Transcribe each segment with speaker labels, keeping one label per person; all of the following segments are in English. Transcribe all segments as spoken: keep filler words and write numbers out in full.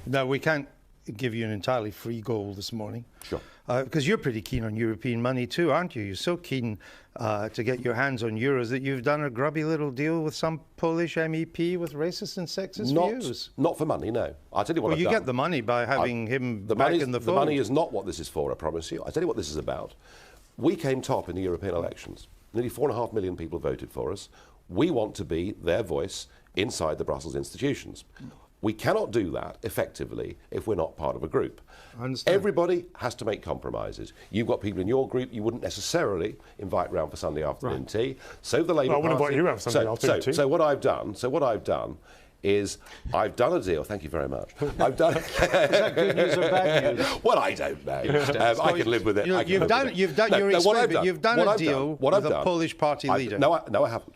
Speaker 1: Now, we can't give you an entirely free goal this morning.
Speaker 2: Sure.
Speaker 1: Uh, because you're pretty keen on European money too, aren't you? You're so keen uh, to get your hands on euros that you've done a grubby little deal with some Polish M E P with racist and sexist
Speaker 2: not,
Speaker 1: views.
Speaker 2: Not for money, no. I'll tell you what
Speaker 1: Well,
Speaker 2: I've
Speaker 1: you
Speaker 2: done.
Speaker 1: get the money by having
Speaker 2: I,
Speaker 1: him
Speaker 2: the
Speaker 1: back
Speaker 2: money's-
Speaker 1: in the
Speaker 2: The
Speaker 1: fold.
Speaker 2: money is not what this is for, I promise you. I'll tell you what this is about. We came top in the European elections. Nearly four and a half million people voted for us. We want to be their voice inside the Brussels institutions. We cannot do that effectively if we're not part of a group.
Speaker 1: I understand.
Speaker 2: Everybody has to make compromises. You've got people in your group you wouldn't necessarily invite round for Sunday afternoon
Speaker 3: Right.
Speaker 2: tea. So the Labour
Speaker 3: Well, I wouldn't
Speaker 2: Party.
Speaker 3: invite you round for Sunday
Speaker 2: so,
Speaker 3: afternoon
Speaker 2: so,
Speaker 3: tea.
Speaker 2: So what I've done, so what I've done is I've done a deal. Thank you very much. I've done.
Speaker 1: Is that good news or bad news?
Speaker 2: Well, I don't know. Um, I can live with it.
Speaker 1: You know,
Speaker 2: I can
Speaker 1: you've
Speaker 2: live
Speaker 1: done,
Speaker 2: with it.
Speaker 1: you've done
Speaker 2: No,
Speaker 1: your
Speaker 2: no, what I've
Speaker 1: experiment.
Speaker 2: done-
Speaker 1: You've done
Speaker 2: what
Speaker 1: a
Speaker 2: I've
Speaker 1: deal
Speaker 2: done- what
Speaker 1: with
Speaker 2: I've
Speaker 1: a
Speaker 2: done-
Speaker 1: Polish party
Speaker 2: I've-
Speaker 1: leader.
Speaker 2: No, I, no, I haven't.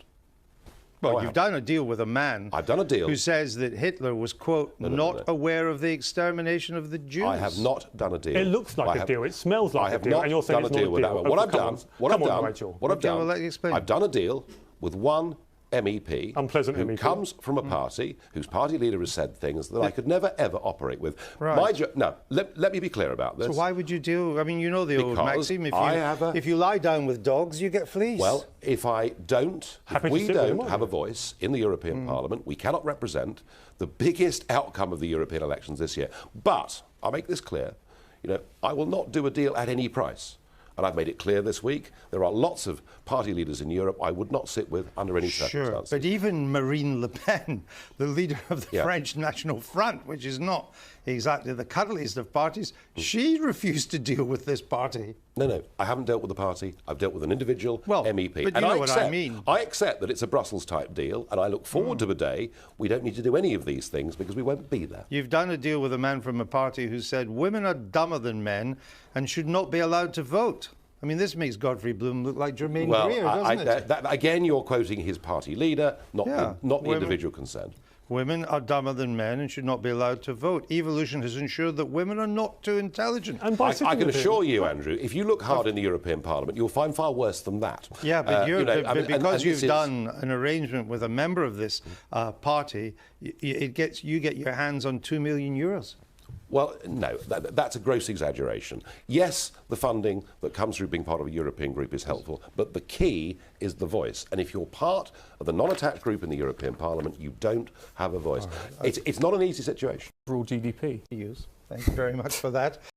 Speaker 1: Well,
Speaker 2: No, I
Speaker 1: you've
Speaker 2: haven't.
Speaker 1: done a deal with a man
Speaker 2: I've done a deal.
Speaker 1: who says that Hitler was, quote,
Speaker 2: no, no,
Speaker 1: not
Speaker 2: no.
Speaker 1: aware of the extermination of the Jews.
Speaker 2: I have not done a deal.
Speaker 3: It looks like
Speaker 2: I
Speaker 3: a
Speaker 2: have-
Speaker 3: deal. It smells like
Speaker 2: I
Speaker 3: a
Speaker 2: have
Speaker 3: deal,
Speaker 2: not
Speaker 3: and you're saying
Speaker 2: done
Speaker 3: it's
Speaker 2: a
Speaker 3: not
Speaker 2: deal
Speaker 3: a
Speaker 2: with that
Speaker 3: deal.
Speaker 2: one. What
Speaker 3: Oh,
Speaker 2: I've
Speaker 3: come
Speaker 2: done,
Speaker 3: on.
Speaker 2: what
Speaker 3: Come
Speaker 2: I've
Speaker 3: on,
Speaker 2: done,
Speaker 3: Rachel.
Speaker 2: what I've
Speaker 1: Okay,
Speaker 2: done,
Speaker 1: well, let you explain.
Speaker 2: I've done a deal with one M E P
Speaker 3: Unpleasant
Speaker 2: who
Speaker 3: M E P.
Speaker 2: comes from a party whose party leader has said things that I could never ever operate with.
Speaker 1: Right.
Speaker 2: My jo- now, let, let me be clear about this.
Speaker 1: So why would you deal? I mean, you know the old
Speaker 2: Because
Speaker 1: maxim: if you
Speaker 2: I have a-
Speaker 1: if you lie down with dogs, you get fleas.
Speaker 2: Well, if I don't,
Speaker 3: Happy
Speaker 2: if
Speaker 3: to
Speaker 2: we
Speaker 3: sit with him,
Speaker 2: don't
Speaker 3: aren't
Speaker 2: have
Speaker 3: you?
Speaker 2: a voice in the European Parliament, we cannot represent the biggest outcome of the European elections this year. But I'll make this clear: you know, I will not do a deal at any price. And I've made it clear this week, there are lots of party leaders in Europe I would not sit with under any
Speaker 1: Sure,
Speaker 2: circumstances.
Speaker 1: but even Marine Le Pen, the leader of the
Speaker 2: Yeah.
Speaker 1: French National Front, which is not exactly the cuddliest of parties, she refused to deal with this party.
Speaker 2: No, no, I haven't dealt with the party. I've dealt with an individual
Speaker 1: Well,
Speaker 2: M E P.
Speaker 1: but you
Speaker 2: and
Speaker 1: know
Speaker 2: I
Speaker 1: what I
Speaker 2: accept,
Speaker 1: mean.
Speaker 2: I accept that it's a Brussels-type deal, and I look forward to the day we don't need to do any of these things because we won't be there.
Speaker 1: You've done a deal with a man from a party who said women are dumber than men and should not be allowed to vote. I mean, this makes Godfrey Bloom look like Jermaine
Speaker 2: Well,
Speaker 1: Greer,
Speaker 2: I,
Speaker 1: doesn't
Speaker 2: I,
Speaker 1: it?
Speaker 2: that, that- again, you're quoting his party leader, not
Speaker 1: Yeah,
Speaker 2: the, not the
Speaker 1: women-
Speaker 2: individual concerned.
Speaker 1: Women are dumber than men and should not be allowed to vote. Evolution has ensured that women are not too intelligent.
Speaker 3: And by
Speaker 2: I,
Speaker 3: sitting
Speaker 2: I can
Speaker 3: with him-
Speaker 2: assure you, Andrew, if you look hard in the European Parliament, you'll find far worse than that.
Speaker 1: Yeah, but,
Speaker 2: Uh,
Speaker 1: you're,
Speaker 2: you know,
Speaker 1: but
Speaker 2: I mean, and-
Speaker 1: because
Speaker 2: and
Speaker 1: you've
Speaker 2: this is-
Speaker 1: done an arrangement with a member of this uh, party, y- y- it gets you get your hands on two million euros.
Speaker 2: Well, no, that, that's a gross exaggeration. Yes, the funding that comes through being part of a European group is helpful, but the key is the voice. And if you're part of the non-attached group in the European Parliament, you don't have a voice. It's, it's not an easy situation.
Speaker 3: Overall G D P.
Speaker 1: Use. Thank you very much for that.